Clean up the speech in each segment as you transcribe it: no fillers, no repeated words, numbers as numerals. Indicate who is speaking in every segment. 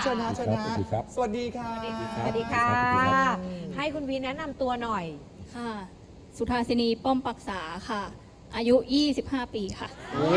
Speaker 1: เชิญนะเชิญนะ
Speaker 2: สวัสดีครับ
Speaker 1: สวัสดีค่ะ
Speaker 3: สวัสดีค่ะ ให้คุณวีแนะนำตัวหน่อย
Speaker 4: ค่ะ สุธาสินีป้อมปรักษาค่ะ อายุ 25 ปีค่ะ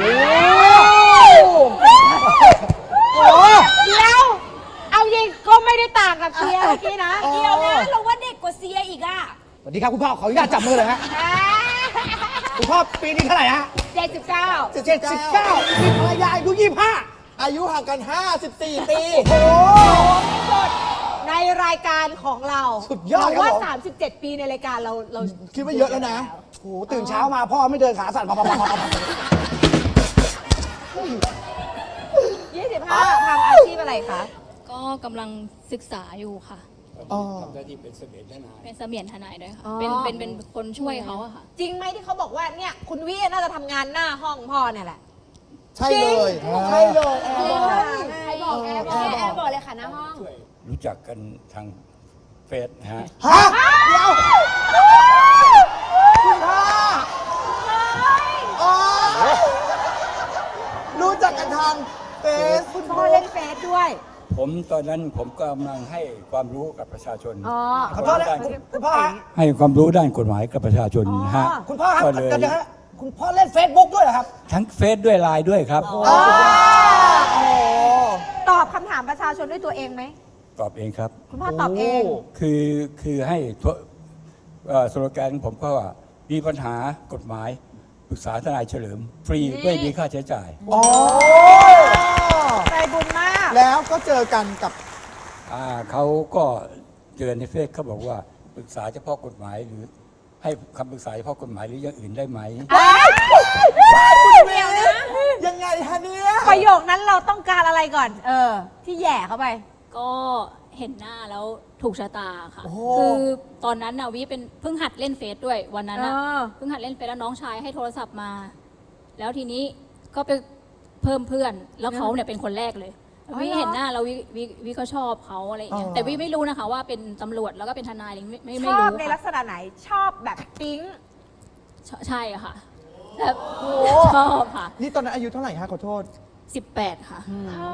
Speaker 3: เดี๋ยว เอายิงก็ไม่ได้ต่างกับเซียเมื่อกี้นะ
Speaker 1: อ๋อ
Speaker 3: เดียวนะเราว่าเด็กกว่าเซียอีกอ่ะ
Speaker 1: สวัสดีครับคุณพ่อขออนุญาตจับมือเลยฮะคุณพ่อปีนี้เท่าไหร่ฮะ
Speaker 3: 79
Speaker 1: 79มีภรรยาอายุ25อายุห่างกัน54 ปีโอ้
Speaker 3: ในรายการของเรา
Speaker 1: สุดยอดครับ
Speaker 3: ว่า
Speaker 1: ผม
Speaker 3: 37 ปีในรายการเรา
Speaker 1: คิดว่าเยอะแล้วนะโอ้ตื่นเช้ามาพ่อไม่เดินขาสั่นพอ
Speaker 3: 25ทำอาชีพอะไรคะ
Speaker 4: ก็กำลังศึกษาอยู่ค่ะ
Speaker 2: ทำหน้าที่เป็นเสมียนทนาย
Speaker 4: เป็นเสมียนทนายด้วยค่ะ
Speaker 3: อ๋อ
Speaker 4: เป็นคนช่วยเขาอะค่ะ
Speaker 3: จริงไหมที่เขาบอกว่าเนี่ยคุณวิน่าจะทำงานหน้าห้องพ่อเนี่ยแหละ
Speaker 1: ใช่เลยใช่เลยแอร์บอก
Speaker 3: ใครบอกแอร์บอกแอร์บอกเลยค่ะหน้าห้อง
Speaker 2: รู้จักกันทางเฟซนะฮะ
Speaker 1: ฮะเดี๋ยวคุณพ่ออ๋อรู้จักกันทางเฟซ
Speaker 3: คุณพ่อเล่นเฟซด้วย
Speaker 2: ผมตอนนั้นผมกำลังให้ความรู้กับประชาชน
Speaker 3: อ๋อ
Speaker 1: ขอโทษนะคุณพ่อฮะ
Speaker 2: ให้ความรู้ด้านกฎหมายกับประชาชนนะฮะ
Speaker 1: คุณพ่อครับ
Speaker 2: ก็เลย
Speaker 1: กันนะฮะคุณพ่อเล่น Facebook ด้วยเหรอครับ
Speaker 2: ทั้งเฟซด้วยไลน์ด้วยครับ
Speaker 1: โอ้โห
Speaker 3: ตอบคำถามประชาชนด้วยตัวเองไหม
Speaker 2: ตอบเองครับ
Speaker 3: คุณพ่อตอบเอง
Speaker 2: คือให้สโลแกนผมก็ว่ามีปัญหากฎหมายปรึกษาทนายเฉลิม ฟรีไม่มีค่าใช้จ่าย
Speaker 1: โอ้
Speaker 3: ใจบุญมาก
Speaker 1: แล้วก็เจอกันกับ
Speaker 2: เขาก็เจอในเฟซเขาบอกว่าปรึกษาเฉพาะกฎหมายหรือให้คำปรึกษาเฉพาะกฎหมายหรืออย่างอื่นได้ไหม
Speaker 3: คุณเดียวนะ
Speaker 1: ยังไงฮะเนี่ย
Speaker 3: ประโยคนั้นเราต้องการอะไรก่อน ที่แหย่เข้าไป
Speaker 4: ก็เห็นหน้าแล้วถูกชะตาค่ะ
Speaker 1: โอ้โห
Speaker 4: คือตอนนั้นนะวิเป็นเพิ่งหัดเล่นเฟซด้วยวันนั้นนะ
Speaker 3: เออ
Speaker 4: เพิ่งหัดเล่นเฟซแล้วน้องชายให้โทรศัพท์มา แล้วทีนี้ก็ไปเพิ่มเพื่อน แล้วเขาเนี่ยเป็นคนแรกเลย วิเห็นหน้าแล้ววิก็ชอบเขาอะไรอย่างเงี้ย แต่วิไม่รู้นะคะว่าเป็นตำรวจแล้วก็เป็นทนายอะไรอย่างเงี้ยไม่
Speaker 3: ช
Speaker 4: รู้
Speaker 3: อบในลั
Speaker 4: ค่ะ
Speaker 3: กษณะไหน ชอบแบบปิ๊ง
Speaker 4: ใช่ค่ะแบบชอบค่ะ
Speaker 1: นี่ตอนนั้นอายุเท่าไหร่ฮะขอโทษ
Speaker 4: 18 ค่ะ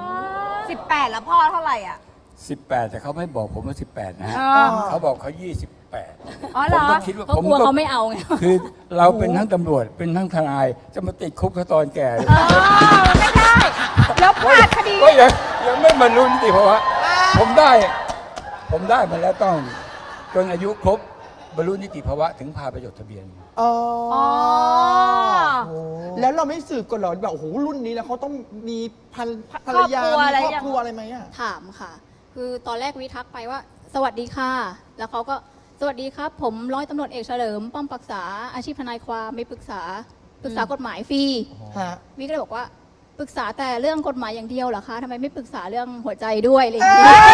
Speaker 3: 18 แล้วพ่อเท่าไหร่อ่ะ
Speaker 2: 18 แต่เขาไม่บอกผมว่า 18 นะฮะ
Speaker 3: อ๋อ
Speaker 2: เขาบอกเขา 28
Speaker 3: อ๋อเหร
Speaker 2: ผม
Speaker 3: อ
Speaker 2: ก็คิดว่า
Speaker 4: เขากลัวเขาไม่เอาไง
Speaker 2: คือเราเป็นทั้งตำรวจเป็นทั้งทนายจะมาติดคุกเขาตอนแก่เลย
Speaker 3: ไม่ได้ แล้วพลาดคดี
Speaker 2: ก็ยังไม่บรรลุนิติภาวะผมได้มาแล้วต้องจนอายุครบบรรลุนิติภาวะถึงพาไปจดทะเบียน
Speaker 1: อ๋อ
Speaker 3: อ๋อ
Speaker 1: แล้วเราไม่สืบก่อนเหรอแบบโอ้โหรุ่นนี้แล้วเขาต้องมีภรรยา
Speaker 3: ครอบครัวอะไร
Speaker 1: มีครอบ
Speaker 3: ยัง
Speaker 1: ครัวอะไรไหมอ่ะ
Speaker 4: ถามค่ะ คือตอนแรกวิทักไปว่า สวัสดีค่ะ แล้วเขาก็สวัสดีครับ ผมร้อยตำรวจเอกเฉลิม ป้อมปรักษาอาชีพทนายความไม่ปรึกษากฎหมายฟรี
Speaker 1: ฮะ
Speaker 4: วิก็เลยบอกว่าปรึกษาแต่เรื่องกฎหมายอย่างเดียวเหรอคะทำไมไม่ปรึกษาเรื่องหัวใจด้วยอะไรอย่างเงี้ย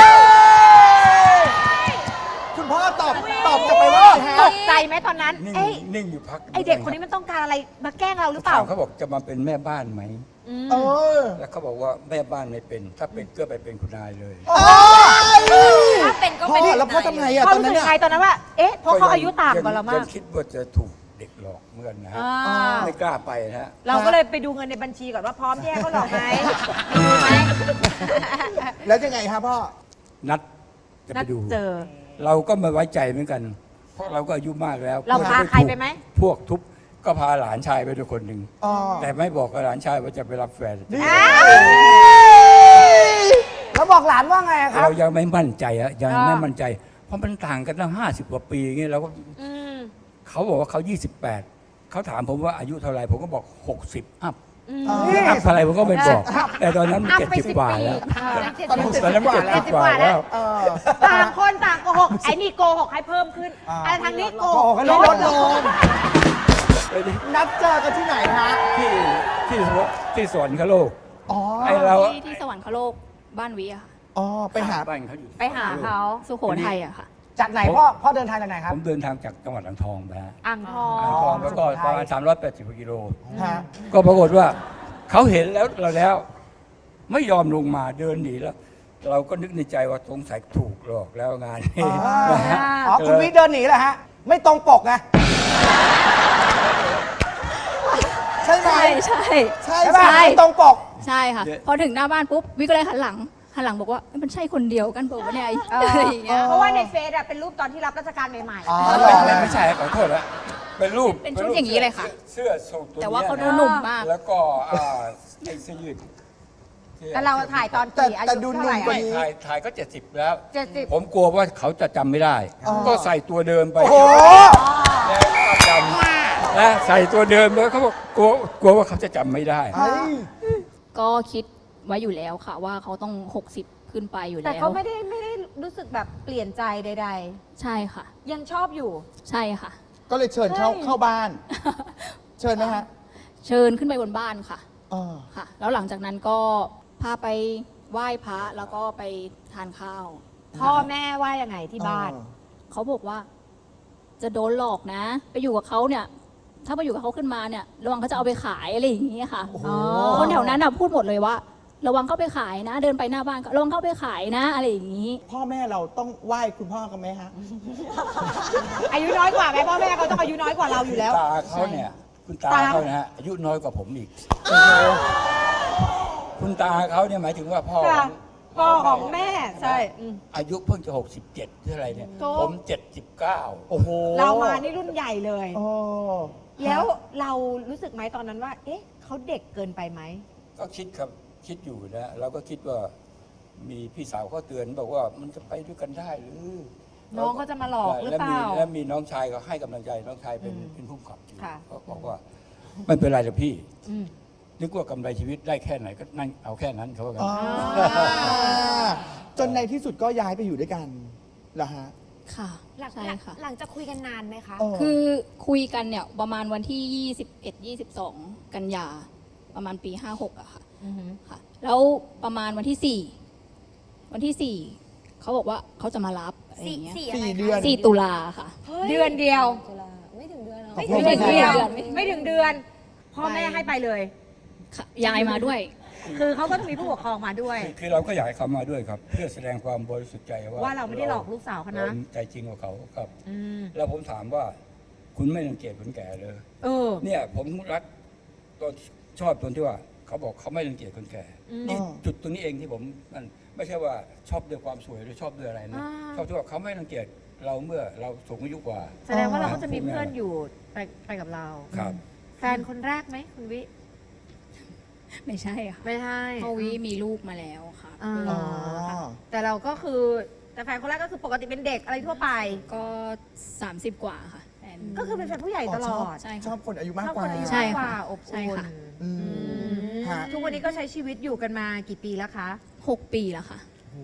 Speaker 1: คุณพ่อตอบจะไปว่าอะไร
Speaker 3: ต
Speaker 1: ฮะ
Speaker 3: กใจไหมตอนนั้น
Speaker 2: นิ่ง
Speaker 3: เอ้ย
Speaker 2: นิ่งอยู่พัก
Speaker 3: ไอเด็กคนนี้มันต้องการอะไร มาแกล้งเราหรือเปล่า
Speaker 2: เขาบอกจะมาเป็นแม่บ้านไหม
Speaker 1: เออ
Speaker 2: แล้วเขาบอกว่าแม่บ้านไม่เป็น ถ้าเป็นก็ไปเป็นคุณนายเลย
Speaker 3: ถ้าเป็นก็
Speaker 1: พ่
Speaker 3: เป็น
Speaker 1: อแล้วพ่อทำไงอ่ะ
Speaker 3: พ่อ
Speaker 1: ตอน
Speaker 3: รู้
Speaker 1: นั้
Speaker 3: สึ
Speaker 1: น
Speaker 3: ก
Speaker 1: อ่ะ
Speaker 3: ไงตอนนั้นว่า เอ๊ะ เพราะเขาอายุต่างกว่าเรามาก
Speaker 2: ยังคิดว่าจะถูกเด็กหลอกเหมือนกันนะฮะ
Speaker 3: อ่า
Speaker 2: ไม่กล้าไปนะฮะ
Speaker 3: เราก็เลยไปดูเงินในบัญชีก่อนว่าพร้อมแยกเขาหรอกไหมมีไหม
Speaker 1: แล้วยังไงฮะพ่อ
Speaker 2: นัดจะ
Speaker 3: นั
Speaker 2: ไป
Speaker 3: ด
Speaker 2: ดู
Speaker 3: เจอ
Speaker 2: เราก็ไม่ไว้ใจเหมือนกัน เพราะเราก็อายุมากแล้ว
Speaker 3: เราพาใครไปไหม
Speaker 2: พวกทุบก็พาหลานชายไปด้วยคนหนึ่ง
Speaker 1: อ๋อ
Speaker 2: แต่ไม่บอกกับหลานชายว่าจะไปรับแฟน
Speaker 1: แล้วบอกหลานว่าไงครับ
Speaker 2: เรายังไม่มั่นใจอะยังไม่มั่นใจ เพราะมันต่างกันตั้ง50 กว่าปีอย่างเงี้ยเราก็
Speaker 3: อืม
Speaker 2: เขาบอกว่าเขา 28 เขาถามผมว่าอายุเท่าไหร่ผมก็บอก 60 อัพ
Speaker 1: อ๋อ
Speaker 2: อัพเท่าไหร่ผมก็ไม่บอก แต่ตอนนั้นมัน
Speaker 3: อัพไป
Speaker 2: 70 กว่าแล้ว
Speaker 1: ตอนนั้น
Speaker 2: ตอนนั้นมัน
Speaker 1: 70
Speaker 2: 70 กว่าแล้ว
Speaker 1: เออ
Speaker 3: ต่างคนต่างโกหก ไอ้นี่โกหกให้เพิ่มขึ้น
Speaker 1: อ่า
Speaker 3: ไอ้ทางนี้โก
Speaker 1: โอ้
Speaker 3: ห
Speaker 1: โห
Speaker 3: ก
Speaker 1: ก็ลดลงนัดเจอกันที่ไหนฮะ
Speaker 2: ที่สวนเขาโลก
Speaker 1: อ๋อ
Speaker 2: ไอ้เรา
Speaker 4: ที่สวรรคโลกบ้านวิอะค่ะ
Speaker 1: อ๋อไปหา
Speaker 2: บ้านเขาอยู่
Speaker 3: ไปหาเขา
Speaker 4: สุโขทัยอะค่ะ
Speaker 1: จากไหนพ่อเดินทางจากไหนครับ
Speaker 2: ผมเดินทางจากจังหวัดอ่างทองไปฮะ
Speaker 3: อ่างทอง
Speaker 2: อ่างทองแล้วก็ประมาณ380 กิโล
Speaker 1: ฮะ
Speaker 2: ก็ปรากฏว่าเขาเห็นแล้วเราแล้ว ไม่ยอมลงมาเดินหนีแล้ว เราก็นึกในใจว่าสงสัยถูกหลอกแล้วงานนี้นะฮะ
Speaker 1: อ๋อคุณวิเดินหนีเหรอฮะ ไม่ตรงปกไงใช่ไหม
Speaker 4: ใช่
Speaker 1: ใช่ป่ะ
Speaker 4: ใช่
Speaker 1: ไม่ตรงปก
Speaker 4: ใช่ค่ะ พอถึงหน้าบ้านปุ๊บวิก็เลยหันหลังหันหลังบอกว่ามันใช่คนเดียวกันบอกว่าเนี่ยอะไรอย่างเงี้ย
Speaker 3: เพราะว่าในเฟซอะเป็นรูปตอนที่รับราชการใหม่
Speaker 1: อ๋อ
Speaker 2: ไม่ใช่ขอโทษนะเป็นรูป
Speaker 4: เป็นชุดอย่างนี้เลยค่ะ
Speaker 2: เสื้อสูทตัว
Speaker 4: แต่ว่า
Speaker 2: นี้ย
Speaker 4: เขาดูหนุ่มมาก
Speaker 2: แล้วก็ไอ้เสื้อยืด
Speaker 3: ๆแต่เราถ่ายตอน
Speaker 1: แต่
Speaker 3: กี่อา
Speaker 1: แต่
Speaker 3: ยุ
Speaker 1: ดู
Speaker 3: เท่าไหร่
Speaker 1: หนุ่มกว่า
Speaker 3: อะ
Speaker 1: นี้
Speaker 2: ถ่ายก็ 70 แล้ว
Speaker 3: 70
Speaker 2: ผมกลัวว่าเขาจะจำไม่ได้
Speaker 1: อ๋อ
Speaker 2: ก็ใส่ตัวเดิมไป
Speaker 1: โอ้โห
Speaker 2: แล้วก็จำนะใส่ตัวเดิมแล้วเขาบอกกลัวว่าเขาจะจำไม่ได้
Speaker 1: เฮ้ย
Speaker 4: ก็คิดไว้อยู่แล้วค่ะว่าเขาต้อง 60 ขึ้นไปอยู่
Speaker 3: แต่
Speaker 4: แล้ว
Speaker 3: เขาไม่ได้รู้สึกแบบเปลี่ยนใจใด
Speaker 4: ใช่ค่ะ
Speaker 3: ๆ ยังชอบอยู่
Speaker 4: ใช่ค่ะ
Speaker 1: ก็เลยเชิญเข้าบ้าน เชิญไหมฮะ
Speaker 4: เชิญขึ้นไปบนบ้านค่ะ
Speaker 1: อ๋อ
Speaker 4: ค่ะ แล้วหลังจากนั้นก็พาไปไหว้พระแล้วก็ไปทานข้าว
Speaker 3: พ่อแม่ว่ายังไงที่บ้าน
Speaker 4: เขาบอกว่า จะโดนหลอกนะ ไปอยู่กับเขาเนี่ย ถ้าไปอยู่กับเขาขึ้นมาเนี่ย ระวังเขาจะเอาไปขายอะไรอย่างนี้ค่ะ
Speaker 1: โอ้โห
Speaker 4: คนแถวนั้นพูดหมดเลยว่า ระวังเข้าไปขายนะ เดินไปหน้าบ้านก็ระวังเข้าไปขายนะอะไรอย่างนี้
Speaker 1: พ่อแม่เราต้องไหว้คุณพ่อกันไหมฮะ
Speaker 3: อายุน้อยกว่าไหมพ่อแม่เขาต้องอายุน้อยกว่าเราอยู่แล้ว
Speaker 2: ตาเขาเนี่ยคุณตาเขานะฮะอายุน้อยกว่าผมอีกคุณตาเขาเนี่ยหมายถึงว่าพ่อ
Speaker 3: ค่ะ พ่อของแม่ใช่อืม
Speaker 2: อายุเพิ่งจะ67หรืออะไรเนี่ย
Speaker 3: โถ
Speaker 2: ผม79
Speaker 1: โอ้โห
Speaker 3: เรามานี่รุ่นใหญ่เลย
Speaker 1: โอ้
Speaker 3: แล้วเรารู้สึกไหมตอนนั้นว่า เอ๊ะเขาเด็กเกินไปไหม
Speaker 2: ก็คิดอยู่นะเราก็คิดว่ามีพี่สาวเขาเตือนบอกว่ามันจะไปด้วยกันได้หรือ
Speaker 3: น้องเขาจะมาหลอกหรือเปล่า
Speaker 2: แล้วมีน้องชายก็ให้กำลังใจน้องชายเป็นผู้กำกับอยู่
Speaker 3: ค่ะ
Speaker 2: เขาบอกว่าไม่เป็นไรหรอกพี่
Speaker 3: อืม
Speaker 2: นึกว่ากำไรชีวิตได้แค่ไหนก็นั่งเอาแค่นั้นเขาว่ากัน
Speaker 1: อ๋อจนในที่สุดก็ย้ายไปอยู่ด้วยกันเหรอฮะ
Speaker 4: ค่ะ ใช่ค่ะ
Speaker 5: หลังจากคุยกันนานไหมคะ
Speaker 1: เออ
Speaker 4: คือคุยกันเนี่ยประมาณวันที่ 21-22 กันยาประมาณปี 56อะค่ะ
Speaker 3: อือหือ
Speaker 4: ค่ะ แล้วประมาณวันที่ 4 วันที่ 4เขาบอกว่าเขาจะมารับอะไรอย่างเงี้ย
Speaker 1: 4 เดือน
Speaker 4: 4 ตุลาค่ะ
Speaker 3: เดือนเดียว
Speaker 5: ไม่ถึงเดือนหรอ
Speaker 1: ไม่
Speaker 3: ไม่ถึงเดือน
Speaker 4: ไม่ถึงเดือน
Speaker 3: ไม่ถึงเดือน พ่อแม่ให้ไปเลย
Speaker 4: ค่ะยายมาด้วย
Speaker 3: คือเขาก็มีผู้ปกครองมาด้วย
Speaker 2: คือเราก็อยากให้เขามาด้วยครับ เพื่อแสดงความบริสุทธิ์ใจว่า
Speaker 3: ว่าเราไม่ได้หลอกลูกสาวเขานะ
Speaker 2: รใจจริงกว่าเขาครับ
Speaker 3: อืม
Speaker 2: แล้วผมถามว่าคุณไม่รังเกียจคนแก่เลย
Speaker 3: เออ
Speaker 2: เนี่ยผมรักตอนชอบตรงที่ว่าเขาบอกเขาไม่รังเกียจคนแก่
Speaker 3: อืม
Speaker 2: นี่จุดตรงนี้เองที่ผมมันไม่ใช่ว่าชอบด้วยความสวยหรือชอบด้วยอะไรนะ
Speaker 3: อ่า
Speaker 2: ชอบที่ว่าเขาไม่รังเกียจเราเมื่อเราสูงอายุกว่า
Speaker 3: แสดงว่าเราก็จะมีเพื่อนอยู่ไปกับเรา
Speaker 2: ครับ
Speaker 3: แฟนคนแรกไหมคุณวิ
Speaker 4: ไม่ใช่ค่ะ
Speaker 3: ไม่ใช่
Speaker 4: เพราะวิมีลูกมาแล้วค่ะ
Speaker 3: อ่า
Speaker 1: อ๋อ
Speaker 3: แต่เราก็คือแต่แฟนคนแรกก็คือปกติเป็นเด็กอะไรทั่วไป
Speaker 4: ก็ 30 กว่าค่ะแฟน
Speaker 3: ก็คือเป็นแฟนผู้ใหญ่ตลอด
Speaker 4: ใช่
Speaker 1: ชอ
Speaker 4: ค่ะ
Speaker 1: บคนอายุมาก
Speaker 3: ชอบ
Speaker 1: กว่า
Speaker 3: คนอายุ
Speaker 4: ใช่
Speaker 3: มากก
Speaker 4: ค่ะ
Speaker 3: ว่าอบ
Speaker 4: ใช่
Speaker 3: อุ่น
Speaker 4: ค่ะ
Speaker 1: อืมฮะ
Speaker 3: ทุกวันนี้ก็ใช้ชีวิตอยู่กันมากี่ปีแล้วคะ
Speaker 4: 6 ปีแล้วค่ะ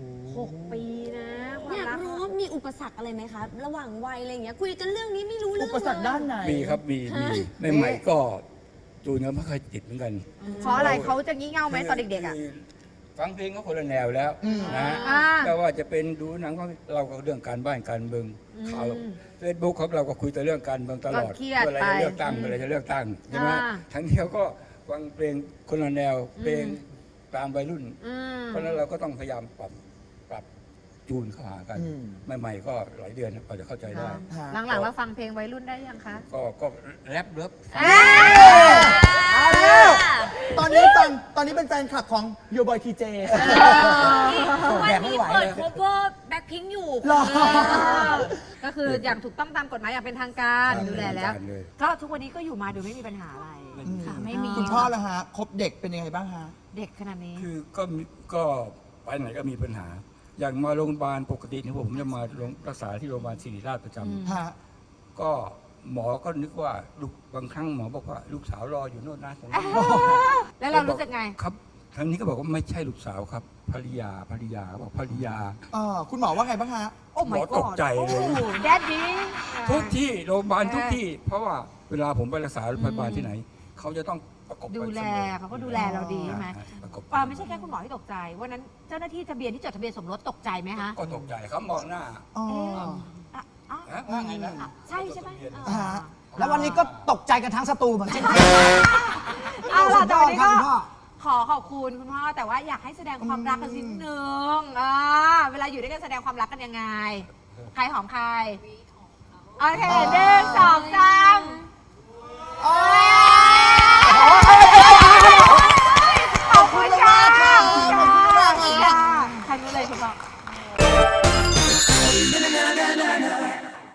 Speaker 3: 6 ปีนะควา
Speaker 5: อ
Speaker 3: ม
Speaker 5: ยาก
Speaker 3: รัก
Speaker 5: รู้ว่ามีอุปสรรคอะไรไหมคะ ระหว่างวัยอะไรอย่างเงี้ย คุยกันเรื่องนี้ไม่รู้เรื่
Speaker 1: อุ
Speaker 5: อง
Speaker 1: ปสรรค
Speaker 5: เลย
Speaker 1: ด้านไหน
Speaker 2: มีครับมีใหม่ๆก็จูนกันไม่ค่อยติดเหมือนกัน
Speaker 3: เพราะอะไรเขาจะงี่เง่าไหมตอนเด็กๆอ่ะ
Speaker 2: คือฟังเพลงก็คนละแนวแล้วนะฮะ
Speaker 3: อ่า
Speaker 2: แต่ว่าจะเป็นดูหนังก็เราก็เรื่องการบ้านการเมืองข่าวเฟซบุ๊กครับเราก็คุยแต่เรื่องการเมืองตลอด
Speaker 3: ก็เครียด
Speaker 2: เมื่อไร
Speaker 3: ไป
Speaker 2: จะเลือกตั้งเมื่อไรจะเลือกตั้งใช่ไหม
Speaker 3: อ่า
Speaker 2: ทั้งเดียวก็ฟังเพลงคนละแนวเพลงตามวัยรุ่น
Speaker 3: อืม
Speaker 2: เพราะฉะนั้นเราก็ต้องพยายามปรับจูนเข้าหากัน
Speaker 1: อืม
Speaker 2: ใหม่ๆก็หลายเดือนกว่าจะเข้าใจได้
Speaker 1: ฮะ
Speaker 3: หลังๆเราฟังเพลงวัยรุ่นได้ยังคะ
Speaker 2: ก็แรปเลิฟ
Speaker 1: เอาแล้วตอนนี้เป็นแฟนคลับของโยบอยทีเจ
Speaker 5: วันนี้เปิด cover Blackpink อยู่
Speaker 1: หรอ
Speaker 3: ก็คืออย่างถูกต้องตามกฎหมายอย่างเป็นทางการดูแลแล้ว
Speaker 2: เลย
Speaker 3: ก็ทุกวันนี้ก็อยู่มาโดยไม่มีปัญหาอะไร
Speaker 4: ค่ะ ไม่มี
Speaker 1: คุณพ่อละฮะคบเด็กเป็นยังไงบ้างฮะ
Speaker 3: เด็กขนาดนี้
Speaker 2: คือก็ไปไหนก็มีปัญหา อย่างมาโรงพยาบาลปกติเนี่ยผมจะมารักษาที่โรงพยาบาลศิริราชประจำ
Speaker 1: ฮะ
Speaker 2: ก็หมอก็นึกว่าลูกบางครั้งหมอบอกว่าลูกสาวรออยู่โน่นนะตรงนั้น
Speaker 3: แล้วเรารู้สึกไง
Speaker 2: ครับทางนี้ก็บอกว่าไม่ใช่ลูกสาวครับภรรยาบอกภรรยา
Speaker 1: คุณหมอว่าไงบ้างฮะ
Speaker 3: โอ้
Speaker 2: หม
Speaker 3: my
Speaker 2: อ
Speaker 3: god
Speaker 2: ตกใจเลย
Speaker 3: แดดดี้
Speaker 2: ทุกที่โรงพยาบาลทุกที่ เพราะว่าเวลาผมไปรักษาโรงพยาบาลที่ไหน เขาจะต้องประกบ
Speaker 3: ดูแลเขาก็ดูแลเราดีใช่ไหม
Speaker 2: ประกบ
Speaker 3: ไม่ใช่แค่คุณหมอที่ตกใจวันนั้นเจ้าหน้าที่ทะเบียนที่จดทะเบียนสมรสตกใจไหมคะ
Speaker 2: ก็ตกใจเขามองหน้า
Speaker 1: อ๋อ
Speaker 3: อ่ะอ่ะ
Speaker 2: ฮะว่าไงนะ
Speaker 3: ใช่ใช่ไหม
Speaker 1: ฮะ
Speaker 6: แล้ววันนี้ก็ตกใจกันทั้งสตูเหมือนเช่นกัน
Speaker 3: เอาล่ะแต่วันนี้ก็
Speaker 6: คุณพ่อ
Speaker 3: ขอขอบคุณคุณพ่อแต่ว่าอยากให้แสดงความรักกันนิดนึงเวลาอยู่ด้วยกันแสดงความรักกันยังไง ใครหอมใครโอเค1 2 3โอ้ย